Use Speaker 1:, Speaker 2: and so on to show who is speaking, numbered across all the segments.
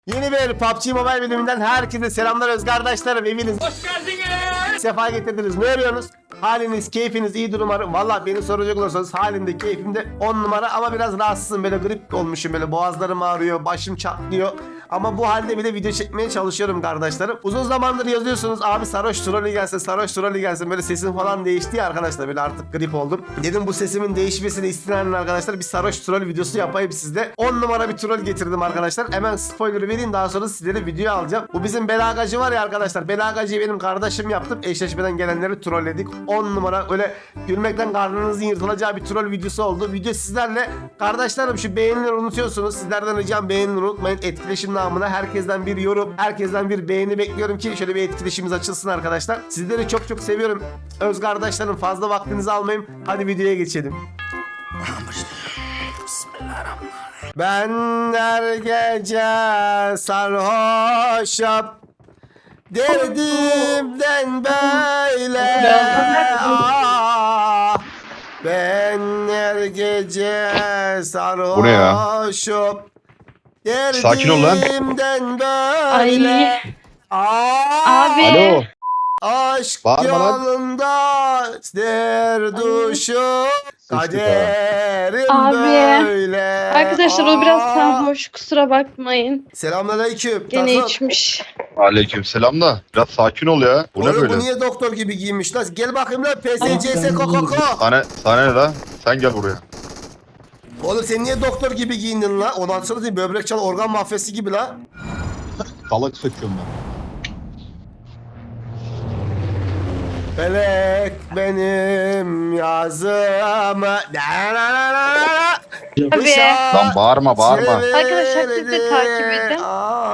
Speaker 1: Yeni bir PUBG Mobile bölümünden herkese selamlar öz kardeşlerim, eviniz hoş geldiniz. Sefa getirdiniz. Ne arıyorsunuz? Haliniz, keyfiniz iyidir umarım. Valla beni soracak olursanız halimde, keyfimde 10 numara ama biraz rahatsızım. Böyle grip olmuşum, böyle boğazlarım ağrıyor, başım çatlıyor. Ama bu halde bile video çekmeye çalışıyorum kardeşlerim. Uzun zamandır yazıyorsunuz abi sarhoş trolü gelsin, sarhoş trolü gelsin. Böyle sesim falan değişti ya arkadaşlar. Böyle artık grip oldum. Dedim bu sesimin değişmesini isteyen arkadaşlar bir sarhoş troll videosu yapayım sizde. 10 numara bir troll getirdim arkadaşlar. Hemen spoiler vereyim, daha sonra sizlere video alacağım. Bu bizim Belagacı var ya arkadaşlar. Belagacı'yı benim kardeşim yaptım. Eşleşmeden gelenleri trolledik. 10 numara öyle gülmekten karnınızın yırtılacağı bir troll videosu oldu. Video sizlerle. Kardeşlerim şu beğenileri unutuyorsunuz. Sizlerden ricam beğenileri unutmayın. Etkileşim namına herkesten bir yorum, herkesten bir beğeni bekliyorum ki şöyle bir etkileşimimiz açılsın arkadaşlar. Sizleri çok çok seviyorum. Öz kardeşlerim, fazla vaktinizi almayayım. Hadi videoya geçelim. Ben her gece sarhoşum, derdimden böyle ben her gece
Speaker 2: Bu ne ya?
Speaker 1: sarhoşum,
Speaker 2: Sakin ol lan.
Speaker 1: derdimden böyle
Speaker 3: Abi.
Speaker 2: Alo.
Speaker 1: aşk
Speaker 2: Bağırma lan.
Speaker 1: yolunda derduşum, kaderim
Speaker 3: Abi.
Speaker 1: böyle.
Speaker 3: Arkadaşlar o biraz sarhoş, kusura bakmayın.
Speaker 1: Selamünaleyküm.
Speaker 3: Gene
Speaker 1: Tatlım.
Speaker 3: içmiş.
Speaker 2: Aleykümselam da. Biraz sakin ol ya. Bu ne
Speaker 1: Oğlum
Speaker 2: böyle?
Speaker 1: bu niye doktor gibi giyinmiş lan? Gel bakayım lan PSCS Kokoko.
Speaker 2: Sana ne la? Sen gel buraya.
Speaker 1: Oğlum sen niye doktor gibi giyindin lan? Ondan sonra değil, böbrek çal organ mafyası gibi lan.
Speaker 2: Salak söküyorum ben.
Speaker 1: Felek benim yazımı.
Speaker 3: Abi.
Speaker 2: Lan bağırma bağırma.
Speaker 3: Arkadaşlar siz de takip edin.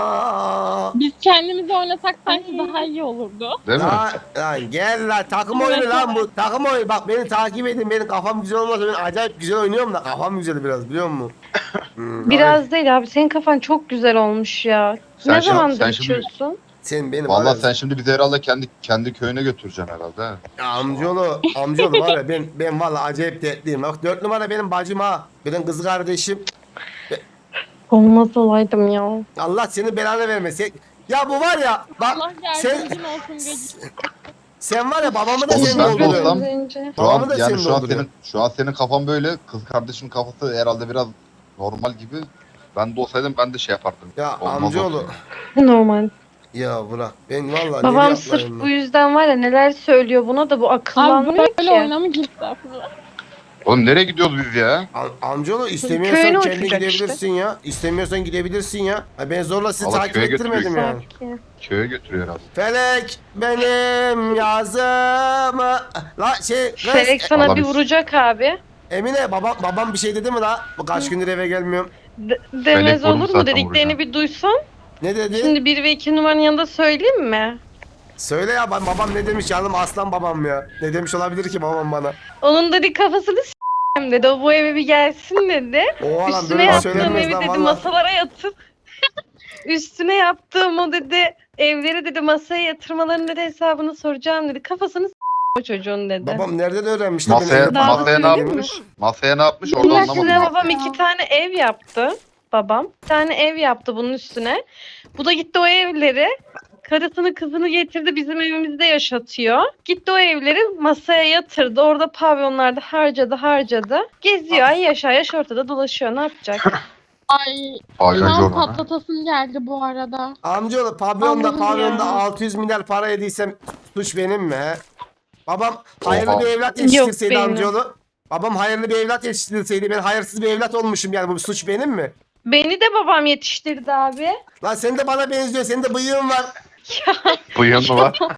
Speaker 4: Biz kendimizi oynasak sanki daha iyi olurdu.
Speaker 2: Değil mi?
Speaker 1: Lan gel lan, takım oyunu lan bu, takım oyunu. Bak beni takip edin, benim kafam güzel olmasa ben acayip güzel oynuyorum da kafam güzel biraz, biliyor musun?
Speaker 3: Biraz değil abi, senin kafan çok güzel olmuş ya.
Speaker 2: Sen
Speaker 3: Ne
Speaker 2: şimdi-
Speaker 3: zamandır
Speaker 2: sen şimdi-
Speaker 3: içiyorsun?
Speaker 1: Sen benim
Speaker 2: Vallahi
Speaker 1: var
Speaker 2: sen
Speaker 1: ya,
Speaker 2: şimdi bizi herhalde kendi köyüne götüreceksin herhalde. He.
Speaker 1: amcaoğlu var ya, ben vallahi acayip dertliyim. Bak 4 numara benim bacım ha. Benim kız kardeşim.
Speaker 3: Olmaz olaydım ya.
Speaker 1: Allah senin belanı vermesin. Ya bu var ya bak,
Speaker 4: Allah
Speaker 1: sen
Speaker 4: yardımcın olsun gacı.
Speaker 1: sen var ya babamı da
Speaker 2: Oğlum
Speaker 1: sen
Speaker 2: ben de
Speaker 1: dolduruyorsun.
Speaker 2: olsam-
Speaker 3: Bence.
Speaker 2: Şu
Speaker 1: Babamı
Speaker 2: an
Speaker 1: da
Speaker 2: yani
Speaker 1: senin
Speaker 2: şu an
Speaker 1: dolduruyor.
Speaker 2: senin kafan böyle. Kız kardeşimin kafası herhalde biraz normal gibi. Ben de olsaydım ben de şey yapardım.
Speaker 1: Ya
Speaker 2: Olmaz
Speaker 1: amcaoğlu.
Speaker 2: olsun.
Speaker 3: Normal.
Speaker 1: Ya bırak. Ben vallahi
Speaker 3: Babam
Speaker 1: ne
Speaker 3: sırf
Speaker 1: yapayım
Speaker 3: bu
Speaker 1: ben?
Speaker 3: yüzden var ya neler söylüyor buna da bu
Speaker 4: Abi
Speaker 3: akıllanmıyor
Speaker 4: böyle
Speaker 3: ki.
Speaker 4: oyuna mı girdi aslında?
Speaker 2: Oğlum nereye gidiyoruz biz ya?
Speaker 1: Amcaoğlu istemiyorsan
Speaker 3: Köyüne
Speaker 1: kendi
Speaker 3: oturacak
Speaker 1: gidebilirsin ya. İstemiyorsan gidebilirsin ya. Ha, ben zorla sizi
Speaker 2: Vallahi
Speaker 1: takip
Speaker 2: köye
Speaker 1: ettirmedim
Speaker 2: götürüyorsun.
Speaker 1: yani.
Speaker 2: Köye götürüyor herhalde.
Speaker 1: Felek benim yazımı. La şey kız,
Speaker 3: Felek sana
Speaker 2: Vallahi
Speaker 3: bir
Speaker 2: biz-
Speaker 3: vuracak abi.
Speaker 1: Emine babam bir şey dedi mi la? Bu kaç gündür eve gelmiyorum.
Speaker 3: Demez
Speaker 2: vurmuş
Speaker 3: olur mu,
Speaker 2: zaten
Speaker 3: dediklerini
Speaker 2: vuracağım.
Speaker 3: bir duysan.
Speaker 1: Ne dedi?
Speaker 3: Şimdi 1 ve 2 numaranın yanında söyleyeyim mi?
Speaker 1: Söyle ya, babam ne demiş canım, aslan babam ya. Ne demiş olabilir ki babam bana?
Speaker 3: Onun dedi kafasını s**eyim dedi. O bu eve bir gelsin dedi.
Speaker 1: O adam
Speaker 3: Üstüne
Speaker 1: böyle
Speaker 3: yaptığım
Speaker 1: söylenmez
Speaker 3: evi
Speaker 1: lan
Speaker 3: dedi
Speaker 1: valla.
Speaker 3: masalara yatıp üstüne yaptığım o dedi evleri dedi masaya yatırmalarının dedi hesabını soracağım dedi. Kafasını o çocuğun dedi.
Speaker 1: Babam nereden öğrenmiş? lan
Speaker 2: Masaya,
Speaker 1: benim evde
Speaker 3: Daha
Speaker 1: falan?
Speaker 2: masaya ne
Speaker 3: söyleyeyim mi?
Speaker 2: yapmış? Masaya ne yapmış
Speaker 3: Bunun
Speaker 2: orada
Speaker 3: üstüne
Speaker 2: anlamadım.
Speaker 3: babam 2 tane ev yaptı. Babam 2 tane ev yaptı bunun üstüne. Bu da gitti o evleri karısını kızını getirdi bizim evimizde yaşatıyor. Gitti o evleri masaya yatırdı. Orada pavyonlarda harcadı. Geziyor ay yaş ortada dolaşıyor. Ne yapacak?
Speaker 4: Ay
Speaker 2: Ay,
Speaker 4: şu
Speaker 2: ay,
Speaker 4: an
Speaker 2: yorma.
Speaker 4: patlatasım geldi bu arada.
Speaker 1: Amcaoğlu pavyonda
Speaker 3: Allah'ım ya.
Speaker 1: 600 milyar para yediysem suç benim mi he? Babam hayırlı
Speaker 2: Oha.
Speaker 1: bir evlat
Speaker 3: Yok,
Speaker 1: yetiştirseydi
Speaker 3: benim.
Speaker 1: amcaoğlu. Babam hayırlı bir evlat yetiştirseydi, ben hayırsız bir evlat olmuşum, yani bu suç benim mi?
Speaker 3: Beni de babam yetiştirdi abi.
Speaker 1: Lan sen de bana benziyor, senin de bıyığın var.
Speaker 2: Bıyığın mı var?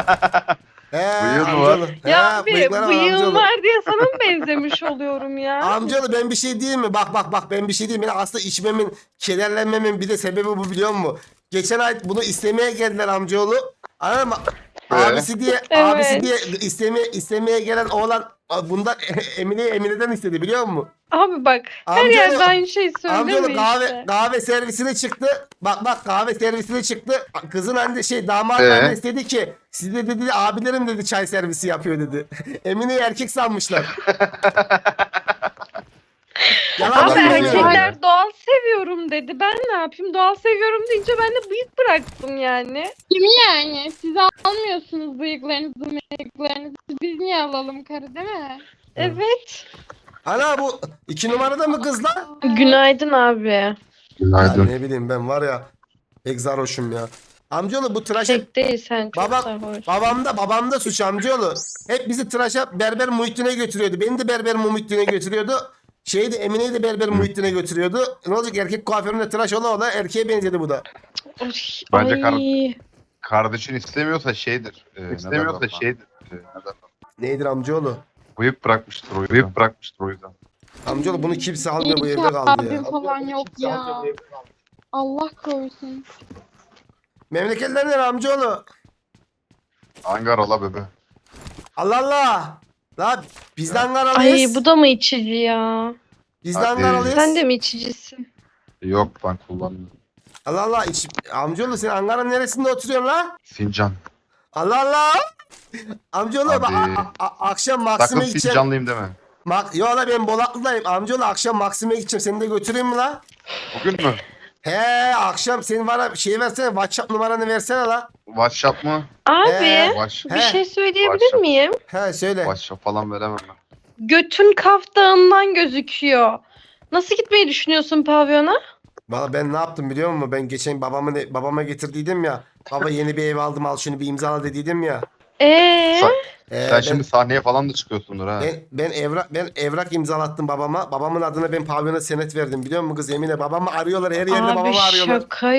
Speaker 1: He
Speaker 2: Bıyığın mı var?
Speaker 1: amcaoğlu.
Speaker 3: Ya
Speaker 1: He,
Speaker 3: abi
Speaker 1: bıyıkları
Speaker 3: bıyığım
Speaker 1: amcaoğlu.
Speaker 3: var diye sana mı benzemiş oluyorum ya?
Speaker 1: Amcaoğlu ben bir şey diyeyim mi? Bak ben bir şey diyeyim. Benim aslında içmemin, kederlenmemin bir de sebebi bu, biliyor musun? Geçen ay bunu istemeye geldiler amcaoğlu. Anladın mı? Abisi diye
Speaker 3: Evet.
Speaker 1: istemeye gelen oğlan bundan Emine'den istedi, biliyor musun?
Speaker 3: Abi bak her
Speaker 1: Amcaoğlu-
Speaker 3: yerde aynı şey söyleme
Speaker 1: Amcaoğlu
Speaker 3: işte.
Speaker 1: kahve servisine çıktı. Bak kahve servisine çıktı. Kızın anne damat
Speaker 2: Ee?
Speaker 1: annesi dedi ki size dedi abilerim dedi çay servisi yapıyor dedi. Emine'yi erkek sanmışlar. Yalan
Speaker 3: Abi
Speaker 2: Ben de
Speaker 1: söylüyorum.
Speaker 3: erkekler doğal seviyorum dedi. Ben ne yapayım? Doğal seviyorum deyince ben de bıyık bıraktım yani.
Speaker 4: Kimi yani? Siz almıyorsunuz bıyıklarınızı. Biz niye alalım karı değil mi?
Speaker 3: Evet.
Speaker 1: Ana bu 2 numarada mı kız lan?
Speaker 3: Günaydın abi.
Speaker 1: Ya
Speaker 2: Günaydın.
Speaker 1: ne bileyim ben var ya. Pek sarhoşum ya. Amcaoğlu bu tıraşa
Speaker 3: Pek değil sen çok
Speaker 1: Baba-
Speaker 3: sarhoş.
Speaker 1: babamda suç amcaoğlu. Hep bizi tıraşa berber Muhittin'e götürüyordu. Beni de berber Muhittin'e götürüyordu. Emine'yi de berber Muhittin'e götürüyordu. Ne olacak erkek kuaföründe tıraş ola erkeğe benzedi bu da.
Speaker 3: Oy,
Speaker 2: Bence
Speaker 3: ay.
Speaker 2: Kardeşin istemiyorsa şeydir. İstemiyorsa şeydir.
Speaker 1: Neydir amcaoğlu?
Speaker 2: Bıyık bırakmıştır o yüzden. Bıyık bırakmıştır o yüzden.
Speaker 1: Amcaoğlu bunu kimse
Speaker 4: İyi
Speaker 1: almıyor bu
Speaker 4: ki
Speaker 1: evde kaldı
Speaker 4: abim
Speaker 1: ya.
Speaker 4: falan yok ya. Allah korusun.
Speaker 1: Memleketler nere amcaoğlu?
Speaker 2: Hangi arala bebe?
Speaker 1: Allah Allah. La biz de
Speaker 3: Ay
Speaker 1: Ankaralıyız.
Speaker 3: bu da mı içici ya?
Speaker 1: Biz de
Speaker 2: Hadi.
Speaker 1: Ankaralıyız.
Speaker 3: Sen de mi içicisin?
Speaker 2: Yok ben kullanmıyorum.
Speaker 1: Allah Allah. Amcaoğlu sen Ankara'nın neresinde oturuyorsun la?
Speaker 2: Sincan.
Speaker 1: Allah Allah. Amcaoğlu
Speaker 2: Hadi.
Speaker 1: akşam
Speaker 2: Sakın
Speaker 1: Maksim'e gideceğim.
Speaker 2: Sincanlıyım deme.
Speaker 1: Yo la ben Bolaklı'dayım. Amcaoğlu akşam Maksim'e gideceğim. Seni de götüreyim mi la?
Speaker 2: Bugün mü?
Speaker 1: He akşam senin bana şey versene. WhatsApp numaranı versene la.
Speaker 2: WhatsApp mı?
Speaker 3: Abi
Speaker 2: Whatsapp,
Speaker 3: bir
Speaker 1: He.
Speaker 3: şey söyleyebilir
Speaker 2: Başla.
Speaker 3: miyim?
Speaker 1: He söyle.
Speaker 2: WhatsApp falan veremem ben.
Speaker 3: Götün Kaf Dağı'ndan gözüküyor. Nasıl gitmeyi düşünüyorsun pavyona?
Speaker 1: Valla ben ne yaptım biliyor musun? Ben geçen babama getirdiydim ya. Baba yeni bir ev aldım al şunu bir imzala dediydim ya.
Speaker 3: Ee,
Speaker 2: Sen
Speaker 1: ben,
Speaker 2: şimdi sahneye falan da çıkıyorsundur ha.
Speaker 1: ben evrak imzalattım babama. Babamın adına ben pavyona senet verdim biliyor musun kız Emine? Babamı arıyorlar her yerde
Speaker 3: abi
Speaker 1: babamı arıyorlar.
Speaker 3: şaka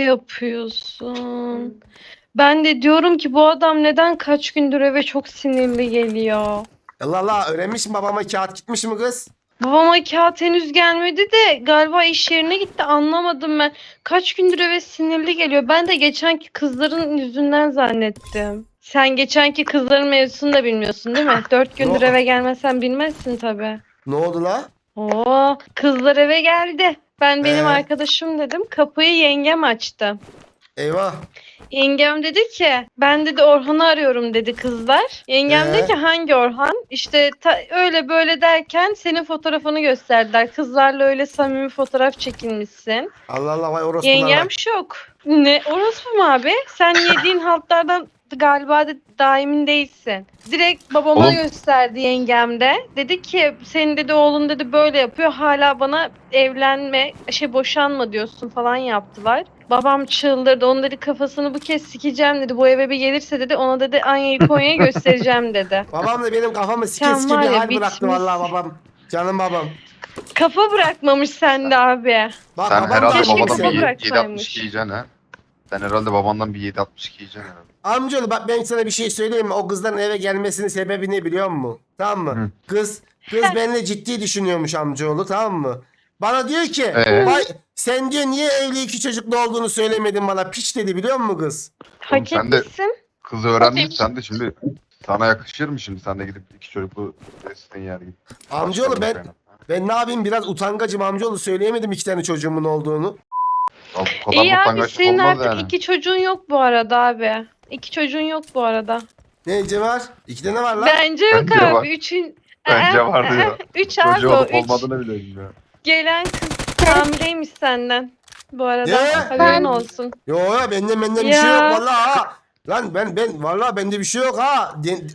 Speaker 3: yapıyorsun. Ben de diyorum ki bu adam neden kaç gündür eve çok sinirli geliyor.
Speaker 1: Allah Allah öğrenmiş mi babama kağıt gitmiş mi kız?
Speaker 3: Babama kağıt henüz gelmedi de galiba iş yerine gitti anlamadım ben. Kaç gündür eve sinirli geliyor. Ben de geçenki kızların yüzünden zannettim. Sen geçenki kızların mevzusunu da bilmiyorsun değil mi? 4 gündür
Speaker 1: Yo.
Speaker 3: eve gelmezsen bilmezsin tabii.
Speaker 1: Ne oldu la?
Speaker 3: Oo, kızlar eve geldi. Ben benim
Speaker 1: Ee?
Speaker 3: arkadaşım dedim. Kapıyı yengem açtı.
Speaker 1: Eyvah.
Speaker 3: Yengem dedi ki ben dedi Orhan'ı arıyorum dedi kızlar. Yengem dedi ki hangi Orhan? İşte öyle böyle derken senin fotoğrafını gösterdiler. Kızlarla öyle samimi fotoğraf çekilmişsin.
Speaker 1: Allah Allah vay orospular.
Speaker 3: Yengem şok. Ne orospu mu abi? Sen yediğin haltlardan galiba da daimin değilsin. Direkt babama
Speaker 2: Oğlum.
Speaker 3: gösterdi yengem de. Dedi ki senin dedi oğlun dedi böyle yapıyor. Hala bana evlenme boşanma diyorsun falan yaptılar. Babam çıldırdı. Onun dedi kafasını bu kez sikeceğim dedi. Bu eve bir gelirse dedi ona dedi Anya'yı Konya'yı göstereceğim dedi.
Speaker 1: Babam da benim kafamı sike
Speaker 3: Sen
Speaker 1: sike
Speaker 3: var
Speaker 1: bir
Speaker 3: ya,
Speaker 1: hal bıraktı
Speaker 3: bitmişsin.
Speaker 1: vallahi babam. Canım babam.
Speaker 3: Kafa bırakmamış sende abi.
Speaker 1: Bak,
Speaker 2: Sen
Speaker 1: babam da
Speaker 2: herhalde
Speaker 3: keşke
Speaker 1: çok
Speaker 2: babadan
Speaker 3: kafa
Speaker 2: bir
Speaker 1: seviyor.
Speaker 3: bıraksaymış.
Speaker 2: 7.62 yiyeceksin ha. Sen herhalde babandan bir 7.62 yiyeceksin herhalde.
Speaker 1: Amcaoğlu bak ben sana bir şey söyleyeyim mi? O kızların eve gelmesinin sebebi ne biliyor musun? Tamam mı?
Speaker 2: Hı.
Speaker 1: Kız benimle ciddi düşünüyormuş amcaoğlu tamam mı? Bana diyor ki vay sen diyor niye evli 2 çocuklu olduğunu söylemedin bana piç dedi biliyor musun kız?
Speaker 3: Hak
Speaker 2: sen de-
Speaker 3: etmişsin.
Speaker 2: Kız öğrendin sen de şimdi sana yakışır mı şimdi sen de gidip 2 çocuklu bestin yer gibi.
Speaker 1: Amcaoğlu ben ne yapayım biraz utangacım amcaoğlu söyleyemedim 2 tane çocuğumun olduğunu.
Speaker 2: Ya bu kadar
Speaker 3: İyi abi
Speaker 2: utangaçlık
Speaker 3: senin
Speaker 2: olmaz
Speaker 3: artık
Speaker 2: yani.
Speaker 3: 2 çocuğun yok bu arada abi. 2 çocuğun yok bu arada.
Speaker 1: Ne var? 2 tane var lan.
Speaker 3: Bence yok
Speaker 2: Bence
Speaker 3: abi.
Speaker 2: var.
Speaker 3: 3'ün...
Speaker 2: Bence var diyor.
Speaker 3: 3 abi
Speaker 2: Çocuğu
Speaker 3: o.
Speaker 2: olup
Speaker 3: 3
Speaker 2: olmadığını bile bilmiyor.
Speaker 3: gelen kız hamileymiş senden. Bu arada
Speaker 1: Ne?
Speaker 3: haberin olsun.
Speaker 1: Yo bende bir şey
Speaker 3: Ya.
Speaker 1: yok vallahi ha. Lan ben vallahi bende bir şey yok ha.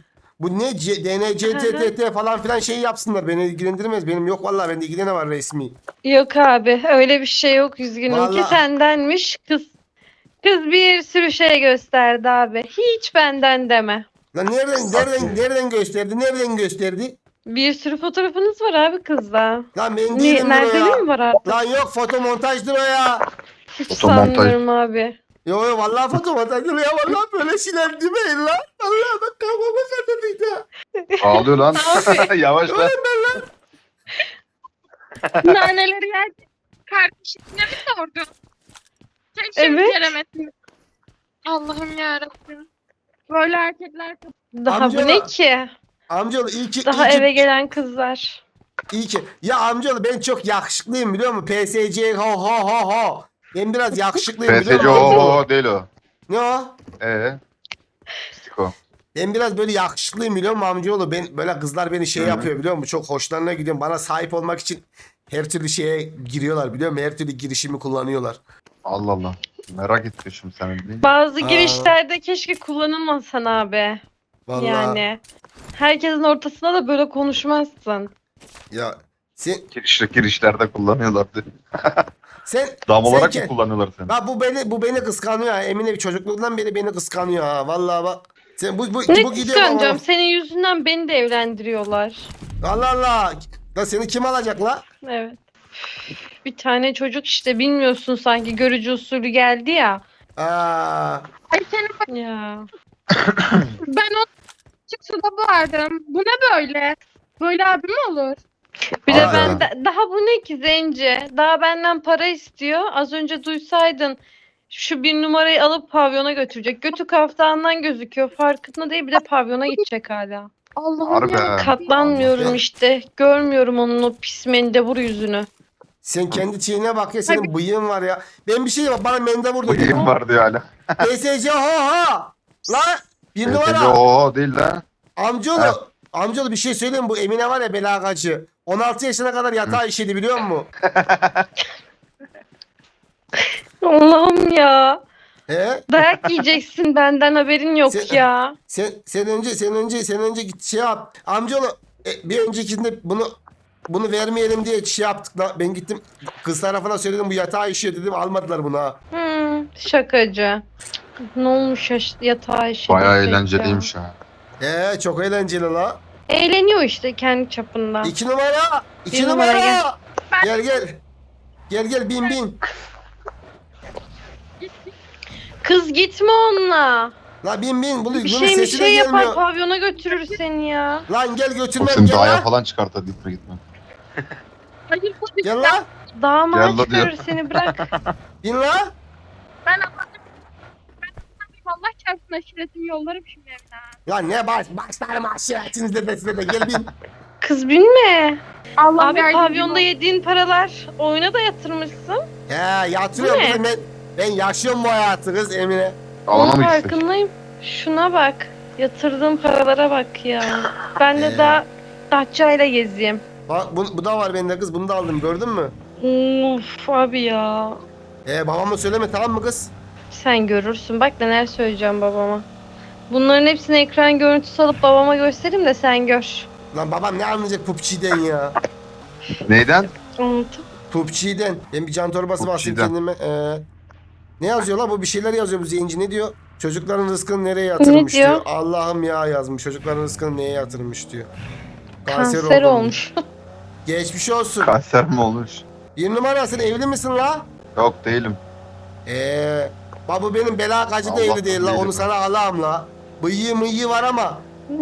Speaker 1: Bu ne DNCTT falan filan şey yapsınlar beni ilgilendirmez. Benim yok vallahi bende 2 tane var resmi.
Speaker 3: Yok abi öyle bir şey yok üzgünüm ki
Speaker 1: Vallahi-
Speaker 3: sendenmiş kız. Kız bir sürü şey gösterdi abi. Hiç benden deme.
Speaker 1: Lan nereden gösterdi? Nereden gösterdi?
Speaker 3: Bir sürü fotoğrafınız var abi kızla.
Speaker 1: Lan ben değilim o
Speaker 3: Nerede
Speaker 1: ya.
Speaker 3: mi var artık?
Speaker 1: Lan yok fotomontajdır o ya.
Speaker 3: Hiç
Speaker 2: Fotomontaj.
Speaker 3: sanmıyorum abi.
Speaker 1: Yo vallahi fotomontajdır ya. Vallahi böyle şeyler demeyin lan. Vallahi bak kafama satıldı.
Speaker 2: Ağlıyor lan.
Speaker 3: Abi.
Speaker 2: Yavaş lan.
Speaker 4: Naneleri yerken kardeşine mi sordun? Keşke
Speaker 3: Evet.
Speaker 4: beceremedin. Allah'ım yarabbim. Böyle erkekler
Speaker 3: Daha
Speaker 1: Amca-
Speaker 3: bu ne ki?
Speaker 1: Amcaoğlu iyi ki
Speaker 3: Daha eve gelen kızlar.
Speaker 1: iyi ki. Ya amcaoğlu ben çok yakışıklıyım biliyor musun? PSC ho ho ho ho. Ben biraz yakışıklıyım biliyor
Speaker 2: PSC
Speaker 1: musun? amcaoğlu?
Speaker 2: o değil o.
Speaker 1: Ne o?
Speaker 2: Stiko.
Speaker 1: Ben biraz böyle yakışıklıyım biliyor musun amcaoğlu? Ben böyle kızlar beni şey yapıyor biliyor musun? Çok hoşlarına gidiyorum. Bana sahip olmak için Her türlü şeye giriyorlar biliyor musun? Her türlü girişimi kullanıyorlar.
Speaker 2: Allah Allah. Merak ettim şimdi senin değil.
Speaker 3: Bazı
Speaker 1: Aa.
Speaker 3: girişlerde keşke kullanılmasan abi.
Speaker 1: Vallahi.
Speaker 3: Yani. Herkesin ortasında da böyle konuşmazsın.
Speaker 1: Ya sen
Speaker 2: Girişlerde kullanıyorlardı.
Speaker 1: sen
Speaker 2: Dam olarak
Speaker 1: sen
Speaker 2: mı kullanıyorlar seni?
Speaker 1: bak bu beni kıskanıyor ha. Emine çocukluğundan beri beni kıskanıyor ha. Vallahi bak. Sen bu
Speaker 3: Ne
Speaker 1: gidiyor
Speaker 3: kıskanacağım?
Speaker 1: ama.
Speaker 3: Senin yüzünden beni de evlendiriyorlar.
Speaker 1: Allah Allah. La seni kim alacak la?
Speaker 3: Evet. Bir tane çocuk işte bilmiyorsun sanki görücü usulü geldi ya.
Speaker 1: Aa,
Speaker 4: Ay senin
Speaker 3: Ya.
Speaker 4: ben o açık suda boğardım. Bu ne böyle? Böyle abi mi olur?
Speaker 3: Bir de
Speaker 1: Aa,
Speaker 3: ben
Speaker 1: evet.
Speaker 3: daha bu ne ki Zence? Daha benden para istiyor. Az önce duysaydın şu bir numarayı alıp pavyona götürecek. Götü kaftağından gözüküyor. Farkında değil bir de pavyona gidecek hala.
Speaker 4: Allah'ım
Speaker 2: Harbi
Speaker 4: ya.
Speaker 2: ha.
Speaker 3: Katlanmıyorum
Speaker 1: Allah.
Speaker 3: işte. Görmüyorum onun o pis mendebur yüzünü.
Speaker 1: sen kendi çiğne bak ya senin bıyığın var ya. Ben bir şey diyeyim bana mende vurdu.
Speaker 2: Bıyığım var diyor hala.
Speaker 1: PSC ho ho. La bir
Speaker 2: Teyze
Speaker 1: numara.
Speaker 2: o değil lan.
Speaker 1: Amcaoğlu.
Speaker 2: Ha.
Speaker 1: Amcaoğlu bir şey söyleyeyim mi? Bu Emine var ya belagacı. 16 yaşına kadar yatağa işedi biliyor musun?
Speaker 3: Allah'ım ya.
Speaker 1: He?
Speaker 3: Dayak yiyeceksin benden haberin yok
Speaker 1: Sen-
Speaker 3: ya.
Speaker 1: Sen önce git şey yap. Amcaoğlu bir öncekinde bunu vermeyelim diye şey yaptık da ben gittim kız tarafına söyledim bu yatağa işiyor dedim almadılar bunu ha.
Speaker 3: Şakacı. Ne olmuş yatağa işe
Speaker 2: Bayağı
Speaker 3: desek ya.
Speaker 2: eğlenceliymiş ha.
Speaker 1: Çok eğlenceli la.
Speaker 3: Eğleniyor işte kendi çapında.
Speaker 1: 2 numara. 2
Speaker 3: Bir
Speaker 1: numara.
Speaker 3: numara
Speaker 1: Gel gel. Gel bin.
Speaker 3: Kız gitme onunla.
Speaker 1: La bin. Bunun
Speaker 3: Bir
Speaker 1: sesi
Speaker 3: şey
Speaker 1: de
Speaker 3: bir şey yapar
Speaker 1: gelmiyor.
Speaker 3: pavyona götürür seni ya.
Speaker 1: Lan gel
Speaker 2: O
Speaker 1: götürmem
Speaker 2: seni
Speaker 1: gel
Speaker 2: dağa
Speaker 1: la.
Speaker 2: falan çıkartır gitme.
Speaker 4: Hayır bu
Speaker 1: Gel la.
Speaker 3: Dağıma
Speaker 2: Gel la
Speaker 3: çıkarır
Speaker 2: diyor.
Speaker 3: seni bırak.
Speaker 1: Bin la.
Speaker 4: ben Allah çarpsın aşiretimi yollarım şimdi evden.
Speaker 1: Lan ne başlarım aşiretinizle de size de gel bin.
Speaker 3: Kız binme.
Speaker 4: Allah
Speaker 3: Abi pavyonda yediğin paralar oyuna da yatırmışsın.
Speaker 1: Yatırıyorum
Speaker 3: Bu ne?
Speaker 1: kızım ben yaşıyorum bu hayatı kız Emine.
Speaker 2: Alana
Speaker 3: Onun
Speaker 2: mı gitsek?
Speaker 3: farkındayım. Şuna bak. Yatırdığım paralara bak ya. Ben de daha Datça'yla gezeyim.
Speaker 1: Bak bu da var bende kız bunu da aldım gördün mü?
Speaker 3: Of abi ya.
Speaker 1: Babama söyleme tamam mı kız?
Speaker 3: Sen görürsün. Bak neler söyleyeceğim babama. Bunların hepsini ekran görüntüsü alıp babama göstereyim de sen gör.
Speaker 1: Lan babam ne anlayacak PUBG'den ya?
Speaker 2: Neyden?
Speaker 3: Anladım.
Speaker 1: PUBG'den. Ben bir can torbası bastım
Speaker 2: PUBG'den.
Speaker 1: kendime. Ne yazıyor lan bu bir şeyler yazıyor bu zenci ne diyor? Çocukların rızkını nereye yatırmış
Speaker 3: Ne diyor?
Speaker 1: diyor. Allah'ım ya yazmış. Çocukların rızkını neye yatırmış diyor.
Speaker 3: Kanser
Speaker 1: oldum.
Speaker 3: olmuş.
Speaker 1: Geçmiş olsun.
Speaker 2: Kanser mi olmuş?
Speaker 1: Bir numara sen evli misin la?
Speaker 2: Yok değilim.
Speaker 1: Bak bu benim belakacı da
Speaker 2: Allah
Speaker 1: evli değil la.
Speaker 2: değilim.
Speaker 1: Onu sana alam la. Bıyığı mıyığı var ama.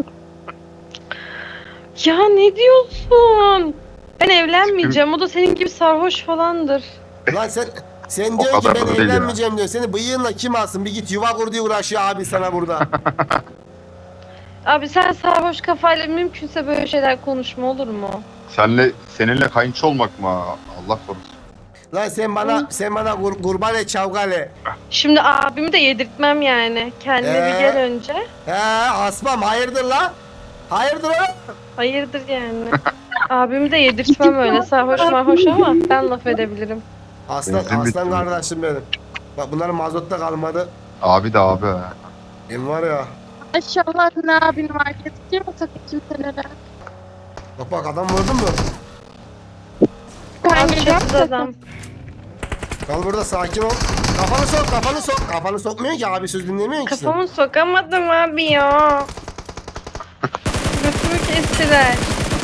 Speaker 3: Ya ne diyorsun? Ben evlenmeyeceğim. O da senin gibi sarhoş falandır.
Speaker 1: Lan sen
Speaker 2: O
Speaker 1: diyorsun ki
Speaker 2: kadar
Speaker 1: ben
Speaker 2: da değil ya.
Speaker 1: evlenmeyeceğim diyor. Seni bıyığınla kim alsın? Bir git yuva kur diye uğraşıyor abi sana burada.
Speaker 3: Abi sen sarhoş kafayla mümkünse böyle şeyler konuşma olur mu?
Speaker 2: Seninle kayınço olmak mı? Allah korusun.
Speaker 1: Lan sen bana kurban et çavgale.
Speaker 3: Şimdi abimi de yedirtmem yani. Kendine bir gel önce.
Speaker 1: Asmam hayırdır la? Hayırdır la?
Speaker 3: Hayırdır yani. Abimi de yedirtmem öyle. Sarhoş marhoş ama ben laf edebilirim.
Speaker 1: Aslan
Speaker 2: bitti.
Speaker 1: kardeşim benim. Bak bunların mazotta kalmadı.
Speaker 2: Abi de abi. ha.
Speaker 1: Benim var ya.
Speaker 4: Maşallah ne abin var. Getireceğim o sakın kimselere.
Speaker 1: Bak adam vurdun mu?
Speaker 4: Ben
Speaker 3: Abi
Speaker 4: geleceğim.
Speaker 3: çatıda adam.
Speaker 1: Kal burada sakin ol. Kafanı sok. Kafanı sokmuyor ki abi söz dinlemiyor ki sen.
Speaker 3: Kafamı sokamadım abi ya. Götümü kestiler.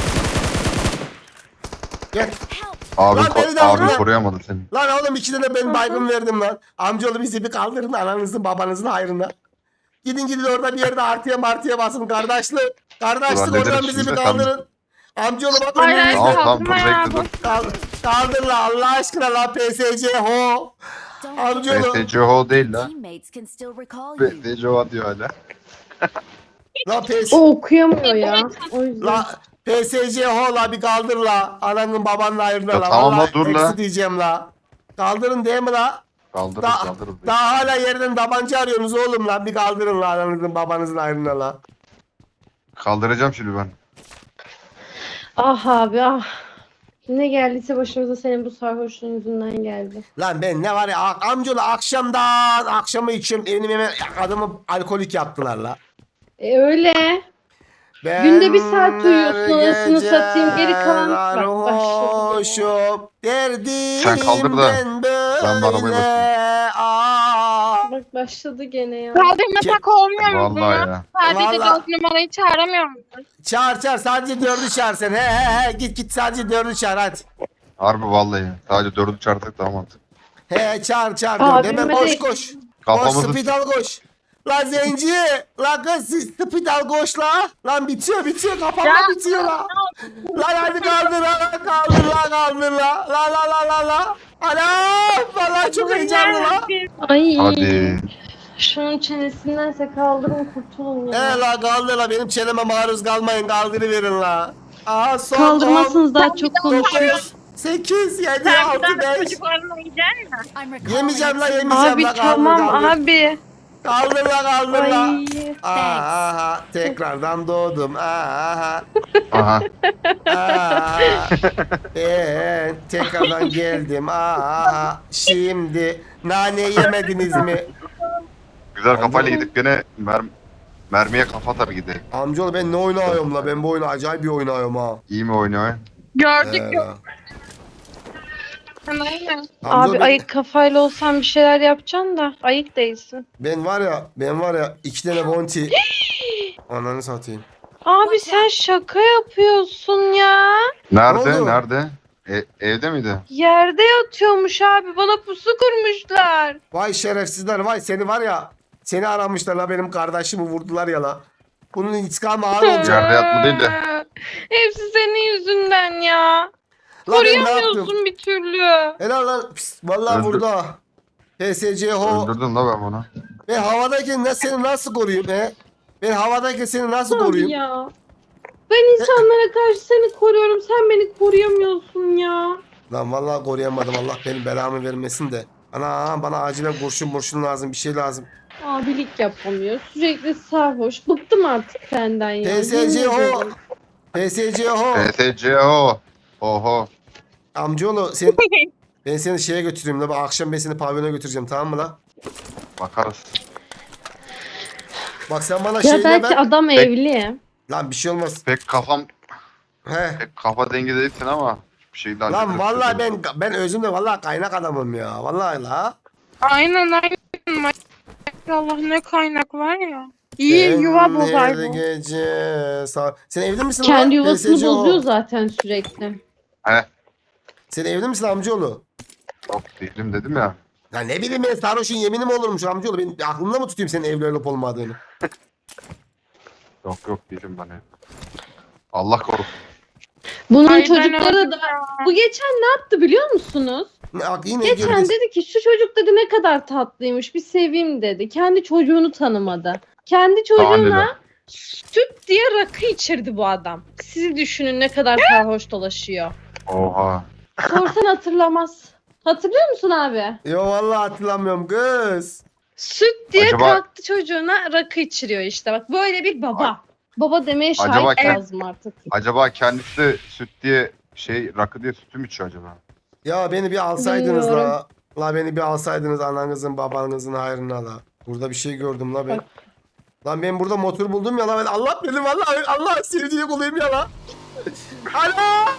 Speaker 1: Gel.
Speaker 2: Abi,
Speaker 1: Lan beni de
Speaker 2: abi
Speaker 1: vurma.
Speaker 2: koruyamadı seni.
Speaker 1: Lan oğlum iki tane ben baygın verdim lan. Amcaoğlu bizi bir kaldırın ananızın babanızın hayrına. Gidin orada bir yerde artıya basın kardeşlik. Kardeşlik
Speaker 2: Ulan ne
Speaker 1: oradan
Speaker 2: dedim
Speaker 1: bizi bir
Speaker 2: şimdi?
Speaker 1: kaldırın. Amcaoğlu bak
Speaker 4: Hayır,
Speaker 1: önümüzde.
Speaker 4: hayır.
Speaker 2: Tamam dur
Speaker 4: Kaldırma ya
Speaker 2: bekle dur.
Speaker 1: Kaldır la Allah aşkına la PSC ho. Amcaoğlu.
Speaker 2: BTCO değil la.
Speaker 5: Teammates can still recall you.
Speaker 2: BTCO diyor hala.
Speaker 1: La
Speaker 3: O okuyamıyor ya. O yüzden.
Speaker 1: La PSC ho la bir kaldır la. Ananın babanın hayrına
Speaker 2: Ya
Speaker 1: la.
Speaker 2: tamam la,
Speaker 1: Vallahi
Speaker 2: dur la.
Speaker 1: eksi diyeceğim la. Kaldırın değil mi la?
Speaker 2: Kaldırırız kaldırırız.
Speaker 1: Daha hala yerden tabanca arıyorsunuz oğlum la. Bir kaldırın la ananızın babanızın hayrına la.
Speaker 2: Kaldıracağım şimdi ben.
Speaker 3: Ah abi ah. Ne geldiyse başımıza senin bu sarhoşluğun yüzünden geldi.
Speaker 1: Lan ben ne var ya amcaoğlu akşamdan akşama içiyorum benim hemen adamı alkolik yaptılar la.
Speaker 3: Öyle.
Speaker 1: Ben
Speaker 3: Günde bir saat uyuyorsun,
Speaker 1: her
Speaker 3: anasını
Speaker 1: gece
Speaker 3: satayım, geri kalan- Bak,
Speaker 1: sarhoşum,
Speaker 2: Sen kaldır da
Speaker 1: derdimden
Speaker 2: ben bir arabaya
Speaker 1: böyle.
Speaker 2: bakayım.
Speaker 1: Aa.
Speaker 3: Bak başladı gene ya.
Speaker 4: Kaldırmasak olmuyor mu bunu?
Speaker 2: Vallahi ya.
Speaker 4: Sadece
Speaker 1: Vallahi.
Speaker 4: 4 numarayı çağıramıyor musun?
Speaker 1: Çağır sadece 4'ü çağır sen. He git sadece 4'ü çağır hadi.
Speaker 2: Harbi vallahi. Sadece 4'ü çarptık daha mantıklı.
Speaker 1: He çağır
Speaker 3: Abi,
Speaker 1: 4. Hemen
Speaker 3: hadi.
Speaker 1: koş. Koş
Speaker 2: Kafamızı
Speaker 1: speed al koş. La zenci. La kız siz speed al koş la. Lan bitiyor kafamda bitiyor la. Lan hadi kaldır la. La. Anam vallahi çok heyecanlı la.
Speaker 3: Ay.
Speaker 2: Hadi.
Speaker 3: Şunun çenesindense kaldırın kurtulun ya.
Speaker 1: He la kaldır la benim çeneme maruz kalmayın kaldırıverin la. Aha son
Speaker 3: Kaldırmazsınız daha çok konuşuruz.
Speaker 1: 9, 8, 7, 6, 5.
Speaker 5: I'm
Speaker 1: Yemeyeceğim la
Speaker 5: recalling.
Speaker 3: Abi
Speaker 1: kaldır,
Speaker 3: tamam
Speaker 1: kaldır.
Speaker 3: abi.
Speaker 1: Kaldır la.
Speaker 3: Ay.
Speaker 1: Aha tekrardan doğdum. Aha.
Speaker 2: Aha.
Speaker 1: Ben tekrardan geldim. Aha. Şimdi nane yemediniz mi?
Speaker 2: Güzel kafayla gidip gene mermiye kafa tabii gidelim.
Speaker 1: Amcaoğlu ben ne oynuyorum la? Ben bu oyunu acayip bir oynuyorum ha.
Speaker 2: İyi mi oynuyor?
Speaker 4: Gördük
Speaker 1: Ee,
Speaker 4: yok. Aynen.
Speaker 1: amcaoğlu
Speaker 3: Abi ayık kafayla olsan bir şeyler yapacaksın da ayık değilsin.
Speaker 1: ben var ya 2 tane bounty. Ananı satayım.
Speaker 3: Abi sen şaka yapıyorsun ya.
Speaker 2: Nerede?
Speaker 1: Ne oldu?
Speaker 2: Nerede? Evde miydi?
Speaker 3: Yerde yatıyormuş abi. Bana pusu kurmuşlar.
Speaker 1: Vay şerefsizler vay seni var ya. Seni aramışlar la benim kardeşimi vurdular ya la. Bunun intikamı ağır olacak.
Speaker 2: Yerde yatma değil de.
Speaker 3: Hepsi senin yüzünden ya.
Speaker 1: La ben ne yaptım?
Speaker 3: Koruyamıyorsun bir türlü.
Speaker 1: Helal lan. Pis, vallahi
Speaker 2: Öldür-
Speaker 1: burada. PSCH
Speaker 2: Öldürdüm la ben bunu.
Speaker 1: Ben havadayken seni nasıl koruyayım he? Ben havadayken seni nasıl
Speaker 3: Abi
Speaker 1: koruyayım?
Speaker 3: ya. Ben insanlara karşı seni koruyorum. Sen beni koruyamıyorsun ya.
Speaker 1: Lan vallahi koruyamadım. Allah benim belamı vermesin de. Ana bana acilen kurşun lazım. Bir şey lazım.
Speaker 3: Abilik yapamıyor. Sürekli sarhoş. Bıktım artık senden ya. Yemin
Speaker 1: PSCH
Speaker 3: ederim.
Speaker 1: PSCH
Speaker 2: PSCO. Oho.
Speaker 1: Amcaoğlu ben seni şeye götüreyim la. Akşam ben seni pavyona götüreceğim tamam mı la?
Speaker 2: Bakarız.
Speaker 1: Bak sen bana
Speaker 3: Ya
Speaker 1: şeyle
Speaker 3: belki
Speaker 1: ver.
Speaker 3: adam evli.
Speaker 1: Lan bir şey olmaz.
Speaker 2: Pek
Speaker 1: He.
Speaker 2: kafa dengi değilsin ama bir şey daha.
Speaker 1: Lan vallahi ben özümde vallahi kaynak adamım ya. Vallahi la.
Speaker 4: Aynen. Maşallah ne kaynak var ya. İyi
Speaker 1: Ben
Speaker 4: yuva bozar
Speaker 1: her
Speaker 4: bu.
Speaker 1: gece Sen evli misin
Speaker 3: Kendi
Speaker 1: lan?
Speaker 3: yuvasını
Speaker 1: PSCH.
Speaker 3: bozuyor zaten sürekli.
Speaker 2: He.
Speaker 1: Sen evli misin amcaoğlu?
Speaker 2: Yok değilim dedim ya.
Speaker 1: Ya ne bileyim ben sarhoşun yemini mi olurmuş amcaoğlu? Ben aklımda mı tutayım senin evli olup olmadığını?
Speaker 2: Yok değilim ben ya. Allah korusun.
Speaker 3: Bunun
Speaker 4: Ay, ben
Speaker 3: çocukları
Speaker 4: öldüm
Speaker 3: da...
Speaker 4: ya.
Speaker 3: Bu geçen ne yaptı biliyor musunuz?
Speaker 1: Yine
Speaker 3: Geçen
Speaker 1: girdi.
Speaker 3: dedi ki şu çocuk dedi ne kadar tatlıymış bir seveyim dedi. Kendi çocuğunu tanımadı. Kendi çocuğuna süt diye rakı içirdi bu adam. Siz düşünün ne kadar sarhoş dolaşıyor.
Speaker 2: Oha.
Speaker 3: Sorsan hatırlamaz. Hatırlıyor musun abi?
Speaker 1: Yo vallahi hatırlamıyorum kız.
Speaker 3: Süt diye
Speaker 2: Acaba-
Speaker 3: kalktı çocuğuna rakı içiriyor işte. Bak böyle bir baba. Baba demeye
Speaker 2: Acaba
Speaker 3: şahit
Speaker 2: kend-
Speaker 3: lazım artık.
Speaker 2: Acaba kendisi süt diye rakı diye sütü mü içiyor acaba?
Speaker 1: Ya beni bir alsaydınız
Speaker 3: Bilmiyorum.
Speaker 1: la. La beni bir alsaydınız ananızın babanızın hayrına la. Burada bir şey gördüm la ben. Lan ben burada motor buldum ya la. Ben Allah benim vallahi Allah sevdiği kuluyum ya la. Ana!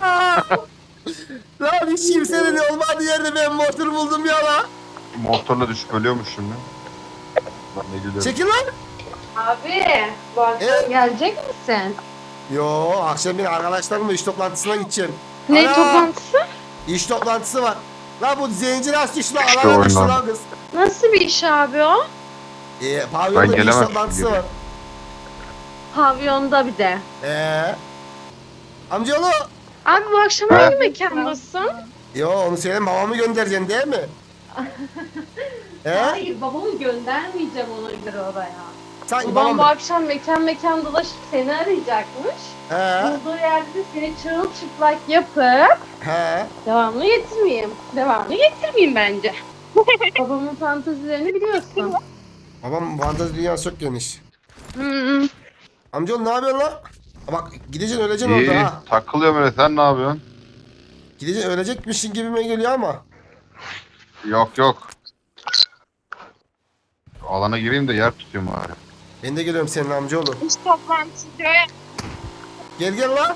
Speaker 1: Lan hiç kimsenin olmadığı yerde ben motor buldum ya la.
Speaker 2: Motorla düşüp ölüyormuş şimdi. Ben ne gülüyorum.
Speaker 1: Çekil lan.
Speaker 3: Abi bu akşam
Speaker 1: Evet.
Speaker 3: gelecek misin?
Speaker 1: Yo akşam bir arkadaşlarımla iş toplantısına gideceğim.
Speaker 3: Ne
Speaker 1: Ana!
Speaker 3: toplantısı?
Speaker 1: İş toplantısı var. La bu zenci nasıl düştü lan?
Speaker 2: İşte
Speaker 1: Alana düştü
Speaker 2: oyundan.
Speaker 1: lan kız.
Speaker 3: Nasıl bir iş abi o?
Speaker 1: Pavyonda bir iş
Speaker 2: gelemem
Speaker 1: toplantısı
Speaker 2: şimdi.
Speaker 1: var.
Speaker 3: Pavyonda bir de.
Speaker 1: Amcaoğlu.
Speaker 3: Abi bu akşam
Speaker 2: He.
Speaker 3: hangi mekandasın?
Speaker 1: Yo onu senin babamı göndereceksin değil mi?
Speaker 3: Hayır babamı göndermeyeceğim ona göre oraya.
Speaker 1: Sanki
Speaker 3: Babam bu
Speaker 1: babam.
Speaker 3: akşam mekan dolaşıp seni arayacakmış.
Speaker 1: He.
Speaker 3: Bulduğu yerde de seni çırılçıplak yapıp
Speaker 1: He.
Speaker 3: devamlı getirmeyeyim bence. Babamın fantezilerini biliyorsun.
Speaker 1: Babam fantezi dünyası çok geniş.
Speaker 3: Hmm.
Speaker 1: Amcaoğlu ne yapıyorsun lan? Bak gideceksin öleceksin
Speaker 2: İyi,
Speaker 1: orada ha.
Speaker 2: takılıyorum öyle. Sen ne yapıyorsun?
Speaker 1: Gideceksin ölecekmişsin gibime geliyor ama.
Speaker 2: Yok yok. Alana gireyim de yer tutayım bari.
Speaker 1: Ben de geliyorum senin amcaoğlu.
Speaker 5: İş toplantısı.
Speaker 1: Gel lan.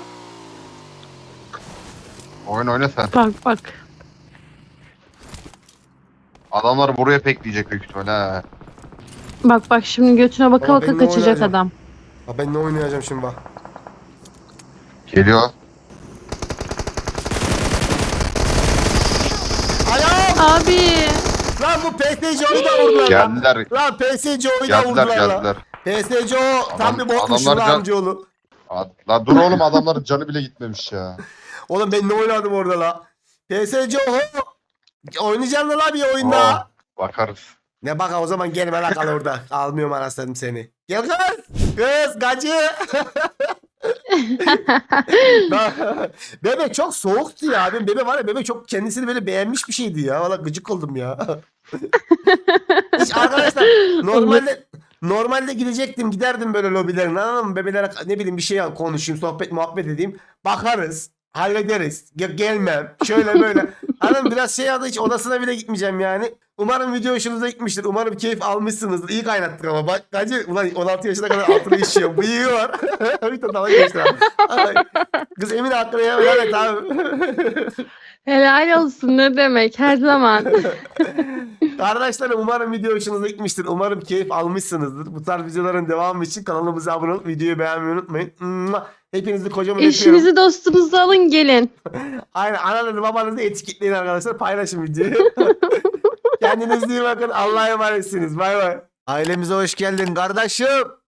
Speaker 2: Oyna sen.
Speaker 3: Bak bak.
Speaker 2: Adamlar buraya pekleyecek büyük ihtimalle ha.
Speaker 3: Bak bak şimdi götüne baka
Speaker 1: Ama
Speaker 3: baka
Speaker 1: ben ne
Speaker 3: kaçacak
Speaker 1: oynayacağım?
Speaker 3: adam.
Speaker 1: Ha, ben ne oynayacağım şimdi bak.
Speaker 2: Geliyor.
Speaker 1: Ayağım!
Speaker 3: Abi.
Speaker 1: Lan bu PSCO'yu da vurdular lan.
Speaker 2: Geldiler.
Speaker 1: Lan PSCO'yu da
Speaker 2: Geldiler
Speaker 1: vurdular lan.
Speaker 2: geldiler.
Speaker 1: PSCO tam bir botmuş
Speaker 2: adamlar
Speaker 1: lan
Speaker 2: can-
Speaker 1: amcaoğlu.
Speaker 2: La dur oğlum adamların canı bile gitmemiş ya.
Speaker 1: Oğlum ben ne oynadım orada la? PSCO oynayacaksın la bir oyunda.
Speaker 2: Oh, bakarız.
Speaker 1: Ne bak o zaman gelme la kal orada. Almıyorum anasını seni. Gel kız. Kız gacı. Bebek çok soğuktu ya. Ben bebek var ya bebek çok kendisini böyle beğenmiş bir şeydi ya. Valla gıcık oldum ya. Hiç arkadaşlar normalde gidecektim giderdim böyle lobilerine anladın mı? Bebelere ne bileyim bir şey konuşayım sohbet muhabbet edeyim. Bakarız. Hallederiz. Gelmem. Şöyle böyle. Hanım biraz şey adı hiç odasına bile gitmeyeceğim yani. Umarım video hoşunuza gitmiştir. Umarım keyif almışsınızdır. İyi kaynattık ama. Bak bence ulan 16 yaşına kadar altına işiyor. Bıyığı var. Bir tane dalga geçti abi. Ay, kız Emine hakkını ya. Evet abi.
Speaker 3: Helal olsun ne demek her zaman.
Speaker 1: Arkadaşlarım umarım video hoşunuza gitmiştir. Umarım keyif almışsınızdır. Bu tarz videoların devamı için kanalımıza abone olup videoyu beğenmeyi unutmayın. Hepinizi kocaman öpüyorum.
Speaker 3: Eşinizi dostunuzu alın gelin.
Speaker 1: Aynen ananızı babanızı etiketleyin arkadaşlar. Paylaşın videoyu. Kendinize iyi bakın. Allah'a emanetsiniz. Bay bay. Ailemize hoş geldin kardeşim.